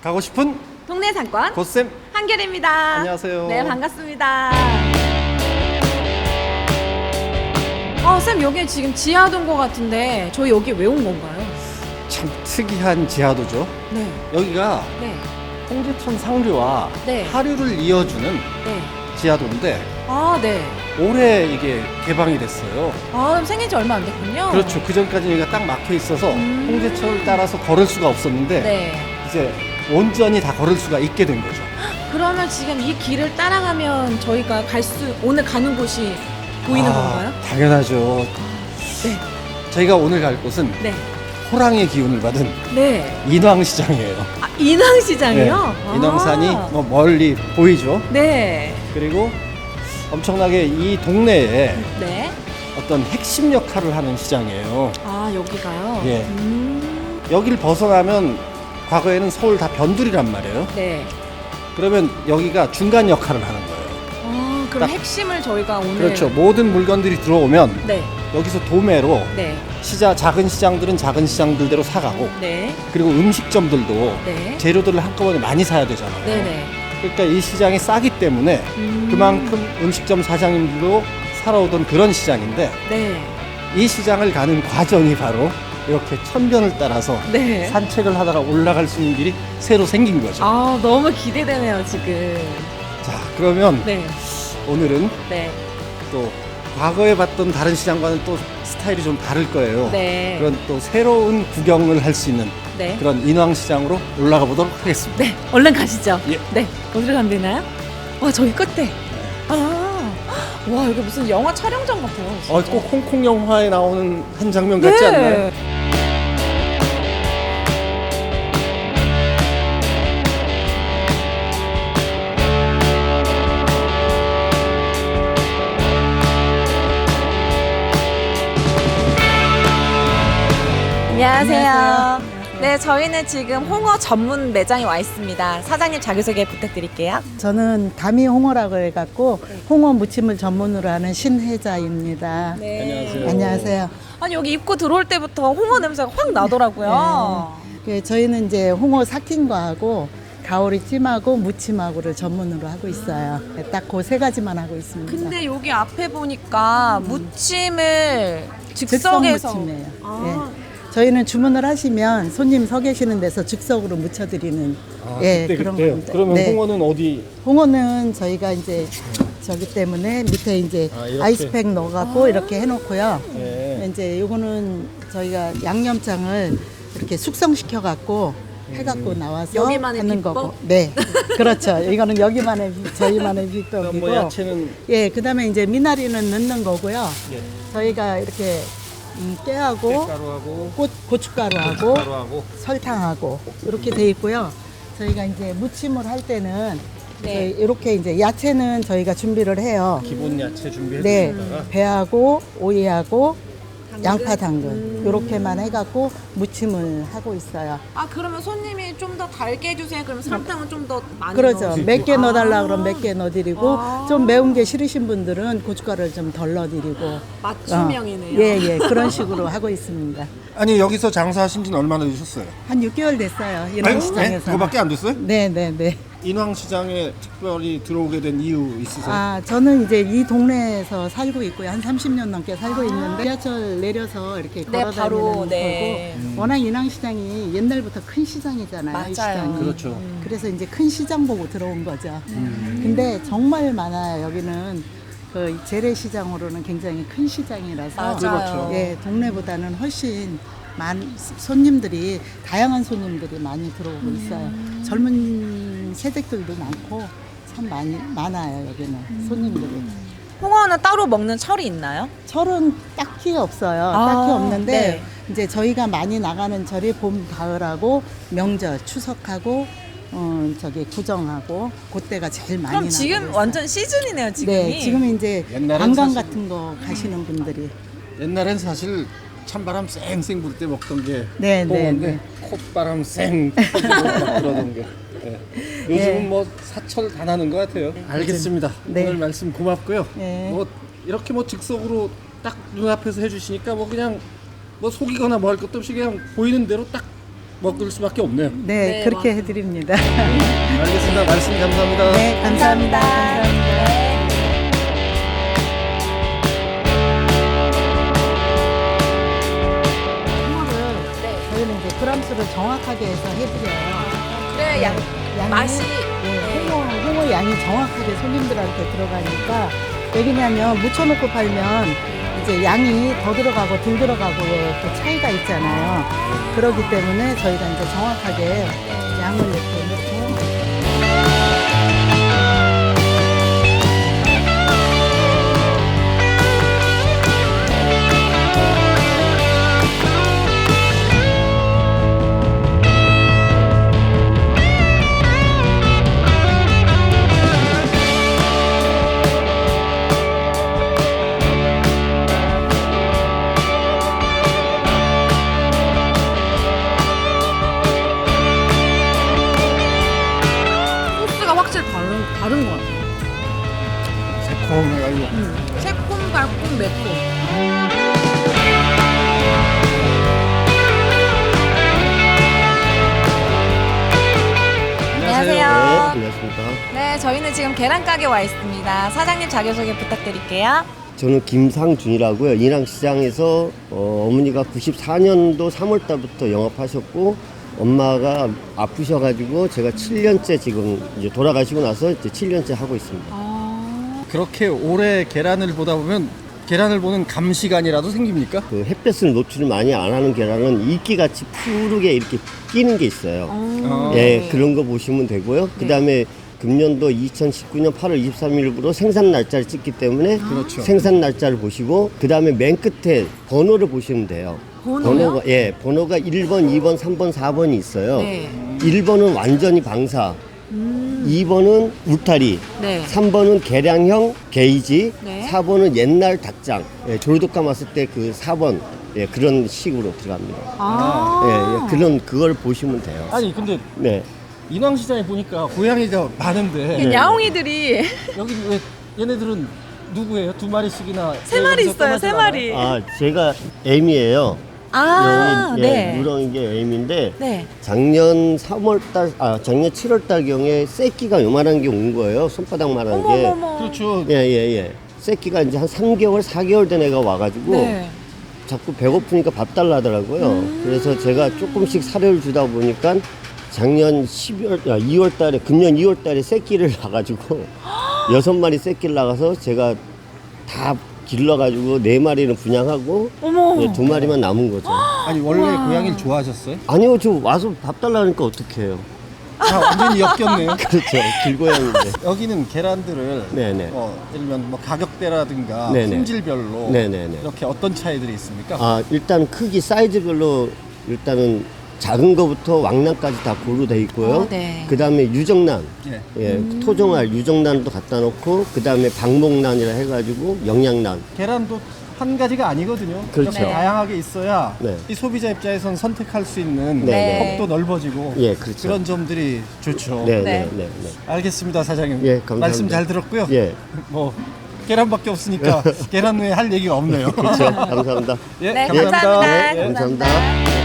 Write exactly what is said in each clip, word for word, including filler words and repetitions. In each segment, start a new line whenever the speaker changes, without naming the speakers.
가고 싶은
동네 상권
고쌤
한결입니다.
안녕하세요.
네, 반갑습니다. 어, 쌤 여기 지금 지하도인 것 같은데 저희 여기 왜 온 건가요?
참 특이한 지하도죠.
네,
여기가
네,
홍제천 상류와
네.
하류를 이어주는
네.
지하도인데
아, 네.
올해 이게 개방이 됐어요.
아, 그럼 생긴 지 얼마 안 됐군요.
그렇죠. 그 전까지 여기가 딱 막혀 있어서
음.
홍제천을 따라서 걸을 수가 없었는데
네.
이제 온전히 다 걸을 수가 있게 된 거죠.
그러면 지금 이 길을 따라가면 저희가 갈 수, 오늘 가는 곳이 보이는
아,
건가요?
당연하죠.
네.
저희가 오늘 갈 곳은
네.
호랑이의 기운을 받은
네.
인왕시장이에요.
아, 인왕시장이요?
네, 인왕산이
아.
뭐 멀리 보이죠.
네.
그리고 엄청나게 이 동네에
네.
어떤 핵심 역할을 하는 시장이에요.
아, 여기가요?
예.
음.
여기를 벗어나면 과거에는 서울 다 변두리란 말이에요.
네.
그러면 여기가 중간 역할을 하는 거예요.
아, 그럼
딱-
핵심을 저희가 오늘.
그렇죠. 모든 물건들이 들어오면
네.
여기서 도매로
네.
시장, 작은 시장들은 작은 시장들대로 사가고
네.
그리고 음식점들도
네.
재료들을 한꺼번에 많이 사야 되잖아요.
네네.
그러니까 이 시장이 싸기 때문에
음.
그만큼 음식점 사장님들도 살아오던 그런 시장인데
네.
이 시장을 가는 과정이 바로 이렇게 천변을 따라서
네.
산책을 하다가 올라갈 수 있는 길이 새로 생긴 거죠.
아, 너무 기대되네요, 지금.
자, 그러면
네.
오늘은
네.
또 과거에 봤던 다른 시장과는 또 스타일이 좀 다를 거예요.
네.
그런 또 새로운 구경을 할 수 있는
네.
그런 인왕시장으로 올라가 보도록 하겠습니다.
네. 얼른 가시죠.
예.
네. 어디로 가면 되나요? 와, 저기 끝에. 아. 와, 여기 무슨 영화 촬영장 같아요. 진짜.
어, 꼭 홍콩 영화에 나오는 한 장면 같지 않나요?
안녕하세요.
안녕하세요.
네, 저희는 지금 홍어 전문 매장에 와 있습니다. 사장님 자기소개 부탁드릴게요.
저는 다미 홍어라고 해갖고 홍어 무침을 전문으로 하는 신혜자입니다.
네.
안녕하세요.
안녕하세요.
아니, 여기 입구 들어올 때부터 홍어 냄새가 확 나더라고요.
그 저희는 이제 홍어 삭힌 거하고 가오리 찜하고 무침하고를 전문으로 하고 있어요. 딱 그 세 가지만 하고 있습니다.
근데 여기 앞에 보니까 무침을
즉석
즉석에서
무침이에요.
아.
예. 저희는 주문을 하시면 손님 서 계시는 데서 즉석으로 무쳐드리는
아,
예,
그때
그런
그때요.
겁니다.
그러면
네.
홍어는 어디?
홍어는 저희가 이제 저기 때문에 밑에 이제
아, 이렇게?
아이스팩 넣어갖고 이렇게 해놓고요.
네.
이제 요거는 저희가 양념장을 이렇게 숙성시켜갖고 해갖고 나와서
여기만의
하는
비법?
거고. 네, 그렇죠. 이거는 여기만의 비- 저희만의
그럼
비법이고.
뭐 야채는
예, 그다음에 이제 미나리는 넣는 거고요.
예.
저희가 이렇게 음, 깨하고
가루하고
꽃, 고춧가루하고
가루하고
설탕하고 이렇게 돼 있고요. 저희가 이제 무침을 할 때는
네.
저희 이렇게 이제 야채는 저희가 준비를 해요.
기본 야채 준비해
네,
주시다가
배하고 오이하고
당근?
양파 당근
음.
이렇게만 해갖고 무침을 하고 있어요.
아, 그러면 손님이 좀 더 달게 해주세요. 그러면 설탕은 좀 더 많이
그렇죠.
넣어주세요.
몇 개
아.
넣어달라 그러면 몇 개 넣어드리고
아.
좀 매운 게 싫으신 분들은 고춧가루를 좀 덜 넣어드리고
맞춤형이네요.
어, 예, 예. 그런 식으로 하고 있습니다.
아니 여기서 장사하신 지는 얼마나 되셨어요?
한 육 개월 됐어요.
네?
인왕시장에서.
그거밖에 안 됐어요?
네, 네, 네.
인왕시장에 특별히 들어오게 된 이유 있으세요?
아, 저는 이제 이 동네에서 살고 있고요. 한 삼십 년 넘게 살고
아.
있는데 지하철 내려서 이렇게
네,
걸어
바로,
다니는
네.
거고 워낙 인왕시장이 옛날부터 큰 시장이잖아요.
맞아요.
이 시장이.
그렇죠.
그래서 이제 큰 시장 보고 들어온 거죠.
음.
근데 정말 많아요. 여기는 그 재래시장으로는 굉장히 큰 시장이라서
맞아요.
그렇죠.
예, 동네보다는 훨씬 많 손님들이 다양한 손님들이 많이 들어오고
음.
있어요. 젊은 세대들도 많고 참 많이 많아요 여기는
음.
손님들이.
홍어는 따로 먹는 철이 있나요?
철은 딱히 없어요.
아,
딱히 없는데
네.
이제 저희가 많이 나가는 철이 봄, 가을하고 명절, 추석하고 어 저기 구정하고 그때가 제일 많이
그럼
나가고
지금
있어요.
완전 시즌이네요, 지금이.
네, 지금 이제
옛날엔
관광
사실-
같은 거 가시는 분들이
옛날엔 사실 찬바람 쌩쌩 불 때 먹던 게
네, 네,
홍어인데
네.
콧바람 쌩 터지고 막 그러던 게 네. 요즘은
네.
뭐 사철 다 나는 것 같아요. 알겠습니다.
네.
오늘 말씀 고맙고요.
네.
뭐 이렇게 뭐 즉석으로 딱 눈앞에서 해주시니까 뭐 그냥 뭐 속이거나 뭐 할 것도 없이 그냥 보이는 대로 딱 먹을 수밖에 없네요.
네,
네,
그렇게
맞아요.
해드립니다.
알겠습니다. 말씀 감사합니다.
네, 감사합니다. 감사합니다. 홍어를
네.
저희는 이제 그람수를 정확하게 해서 해드려요.
그래 양
양이,
맛이
네, 홍어, 홍어 양이 정확하게 손님들한테 들어가니까 왜냐면 묻혀놓고 팔면 이제 양이 더 들어가고 덜 들어가고의 또 차이가 있잖아요. 그렇기 때문에 저희가 이제 정확하게 양을 이렇게 넣고
소스가 확실히 다른 다른 것 같아요.
새콤해가지고.
새콤, 달콤, 매콤. 안녕하세요.
네, 안녕하십니까.
네, 저희는 지금 계란 가게 와 있습니다. 사장님 자기소개 부탁드릴게요.
저는 김상준이라고요. 인왕시장에서 어, 어머니가 구십사 년도 삼월 달부터 영업하셨고 엄마가 아프셔가지고 제가 칠 년째 지금 이제 돌아가시고 나서 이제 칠 년째 하고 있습니다.
아,
그렇게 오래 계란을 보다 보면 계란을 보는 감시관이라도 생깁니까?
그 햇볕을 노출을 많이 안 하는 계란은 이끼같이 푸르게 이렇게 끼는 게 있어요.
아.
예, 그런 거 보시면 되고요. 그 다음에 금년도 이천십구 년 팔월 이십삼일부로 생산 날짜를 찍기 때문에
그렇죠.
생산 날짜를 보시고 그 다음에 맨 끝에 번호를 보시면 돼요.
번호요?
번호가, 예, 번호가 일 번, 이 번, 삼 번, 사 번이 있어요.
네.
일 번은 완전히 방사,
음,
이 번은 울타리,
네.
삼 번은 계량형 게이지,
네.
사 번은 옛날 닭장. 예, 조류독 감았을 때 그 사 번, 예, 그런 식으로 들어갑니다.
아,
예, 예, 그런 그걸 보시면 돼요.
아니 근데
네.
인왕시장에 보니까 고양이가 많은데
네.
야옹이들이
여기 왜 얘네들은 누구예요? 두 마리씩이나
세 마리 있어요, 세 마리.
아, 제가 M이에요.
아,
여기,
네.
예, 누렁이 게 M인데
네.
작년 삼월 달, 아, 작년 칠월 달 경에 새끼가 요만한 게 온 거예요. 손바닥만한 게.
어머머머.
그렇죠.
예, 예, 예. 새끼가 이제 한 삼 개월, 사 개월 된 애가 와가지고
네.
자꾸 배고프니까 밥 달라더라고요.
음.
그래서 제가 조금씩 사료를 주다 보니까 작년 십이월, 아, 이월 달에, 금년 이월 달에 새끼를 낳아가지고 여섯 마리 새끼를 낳아서 제가 다 길러가지고 네 마리는 분양하고
어머.
이제 두 마리만 남은 거죠.
아니 원래 고양이를 좋아하셨어요?
아니요, 저 와서 밥 달라니까 어떡해요.
아 완전히 엮였네요.
그렇죠. 길고양인데.
여기는 계란들을
네네.
어, 예를 들면 뭐 가격대라든가
네네.
품질별로
네네네.
이렇게 어떤 차이들이 있습니까?
아, 일단 크기 사이즈별로 일단은 작은 거부터 왕란까지 다 고루 돼 있고요.
어, 네.
그 다음에 유정란,
예.
예, 토종알 유정란도 갖다 놓고 그 다음에 방목란이라 해가지고 영양란.
계란도 한 가지가 아니거든요.
그렇죠.
이렇게 다양하게 있어야
네.
이 소비자 입장에선 선택할 수 있는
네.
폭도 넓어지고
예, 그렇죠.
런 점들이 좋죠.
네,
네.
네, 네, 네.
알겠습니다, 사장님.
예, 감사합니다.
말씀 잘 들었고요.
예,
뭐 계란밖에 없으니까 계란 외에 할 얘기가 없네요.
그렇죠. 감사합니다.
예,
네,
감사합니다.
감사합니다.
네,
예.
감사합니다.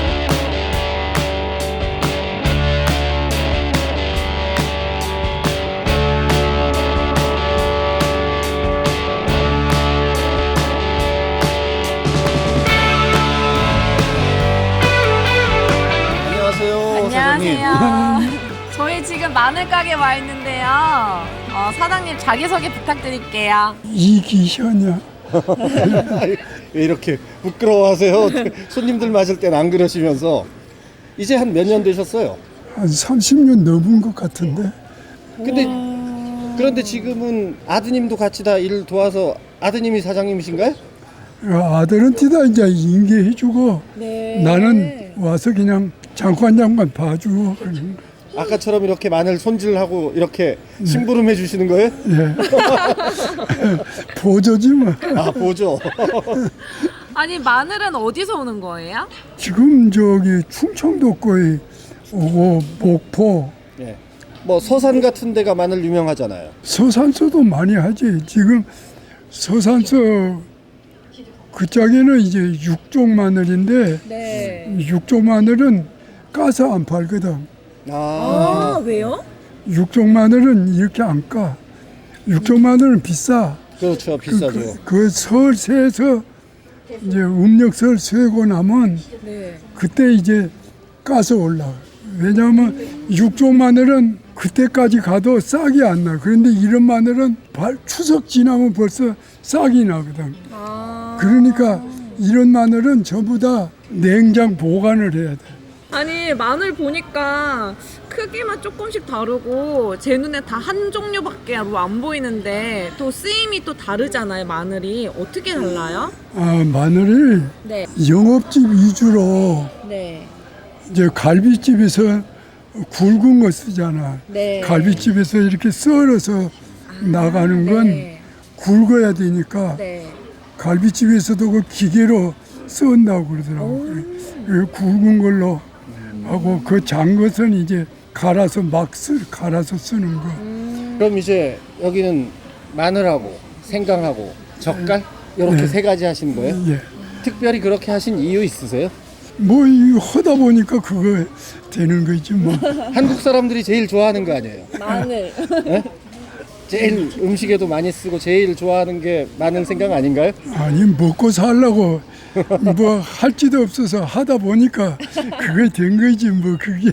안녕하세요, 사장님.
안녕하세요. 저희 지금 마늘 가게 와 있는데요. 어, 사장님 자기소개 부탁드릴게요.
이기현이야.
왜 이렇게 부끄러워하세요? 손님들 맞을 땐 안 그러시면서 이제 한 몇 년 되셨어요?
한 삼십 년 넘은 것 같은데.
근데 그런데 지금은 아드님도 같이 다 일 도와서 아드님이 사장님이신가요?
아들한테 다 이제 인계해주고
네.
나는 와서 그냥 잠깐 잠깐 봐주고 그러는 거.
아까처럼 이렇게 마늘 손질하고 이렇게 심부름 해주시는 거예요?
예. 보조지 뭐.
아 보죠.
아니 마늘은 어디서 오는 거예요?
지금 저기 충청도 거에 오고 목포
예. 뭐 서산 같은 데가 마늘 유명하잖아요.
서산서도 많이 하지. 지금 서산서 그쪽에는 이제 육종 마늘인데
네.
육종 마늘은 까서 안 팔거든.
아,
아, 왜요?
육종 마늘은 이렇게 안 까. 육종 마늘은 비싸.
그렇죠.
그,
비싸죠.
그, 그 설세에서 이제 음력설 세고 나면
네.
그때 이제 까서 올라가. 왜냐하면 육종 마늘은 그때까지 가도 싹이 안 나. 그런데 이런 마늘은 발, 추석 지나면 벌써 싹이 나거든.
아.
그러니까 이런 마늘은 전부 다 냉장 보관을 해야 돼.
아니 마늘 보니까 크기만 조금씩 다르고 제 눈에 다 한 종류밖에 안 보이는데 또 쓰임이 또 다르잖아요. 마늘이 어떻게 달라요?
아, 마늘이
네.
영업집 위주로
네.
이제 갈비집에서 굵은 거 쓰잖아.
네.
갈비집에서 이렇게 썰어서 나가는 건
네.
굵어야 되니까
네.
갈비집에서도 그 기계로 썬다고 그러더라고. 그 굵은 걸로 하고 그 장 것은 이제 갈아서 막 쓰, 갈아서 쓰는 거.
그럼 이제 여기는 마늘하고 생강하고 젓갈 이렇게
네.
세 가지 하신 거예요?
예.
특별히 그렇게 하신 이유 있으세요?
뭐 이거 하다 보니까 그거 되는 거지 뭐.
한국 사람들이 제일 좋아하는 거 아니에요?
마늘.
제일 음식에도 많이 쓰고 제일 좋아하는 게 마늘 생강 아닌가요?
아니 먹고 살라고 뭐 할지도 없어서 하다 보니까 그게 된 거지 뭐 그게.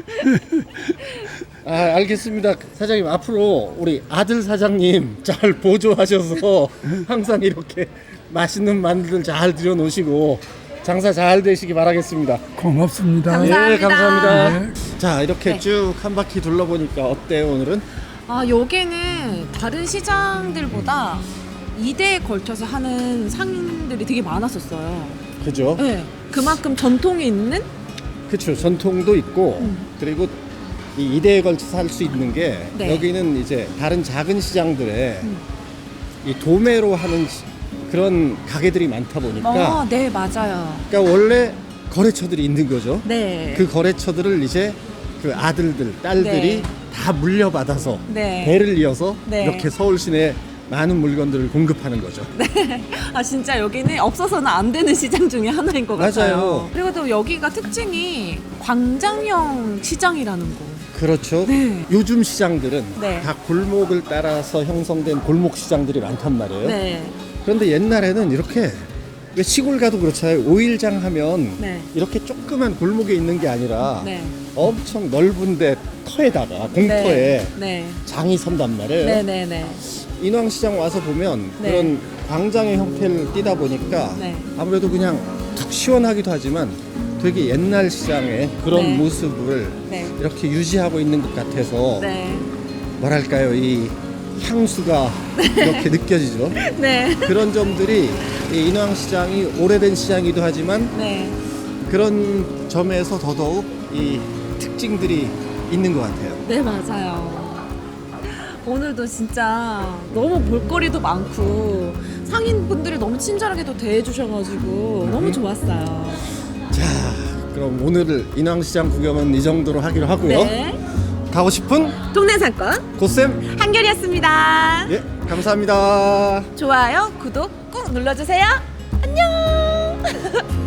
아, 알겠습니다. 사장님 앞으로 우리 아들 사장님 잘 보조하셔서 항상 이렇게 맛있는 마늘들 잘 들여놓으시고 장사 잘 되시기 바라겠습니다.
고맙습니다.
감사합니다.
예, 감사합니다.
네.
자, 이렇게
네.
쭉 한 바퀴 둘러보니까 어때요, 오늘은?
아 여기는 다른 시장들보다 이 대에 걸쳐서 하는 상인들이 되게 많았었어요.
그죠?
네. 그만큼 전통이 있는
그렇죠. 전통도 있고 그리고 이 이대에 걸쳐서 할 수 있는 게
네.
여기는 이제 다른 작은 시장들에 이 도매로 하는 시- 그런 가게들이 많다 보니까
어, 네 맞아요.
그러니까 원래 거래처들이 있는 거죠.
네.
그 거래처들을 이제 그 아들들, 딸들이
네.
다 물려받아서
네.
배를 이어서
네.
이렇게 서울 시내 많은 물건들을 공급하는 거죠.
아 진짜 여기는 없어서는 안 되는 시장 중에 하나인 것 같아요.
맞아요.
그리고 또 여기가 특징이 광장형 시장이라는 거.
그렇죠.
네.
요즘 시장들은
네.
다 골목을 따라서 형성된 골목 시장들이 많단 말이에요.
네.
그런데 옛날에는 이렇게 왜 시골 가도 그렇잖아요. 오일장 하면
네.
이렇게 조그만 골목에 있는 게 아니라
네.
엄청 넓은데 터에다가 공터에
네. 네.
장이 선단 말이에요.
네. 네. 네.
인왕시장 와서 보면
네.
그런 광장의 형태를 띠다 보니까
네.
아무래도 그냥 툭 시원하기도 하지만 되게 옛날 시장의 그런
네.
모습을
네.
이렇게 유지하고 있는 것 같아서
네.
뭐랄까요, 이 향수가 이렇게 느껴지죠.
네.
그런 점들이 이 인왕시장이 오래된 시장이기도 하지만
네.
그런 점에서 더더욱 이 특징들이 있는 것 같아요.
네, 맞아요. 오늘도 진짜 너무 볼거리도 많고 상인분들이 너무 친절하게도 대해주셔가지고 너무 좋았어요.
자, 그럼 오늘 인왕시장 구경은 이 정도로 하기로 하고요.
네.
가고 싶은
동네 상권
고쌤,
한결이었습니다.
예, 감사합니다.
좋아요, 구독 꾹 눌러주세요. 안녕.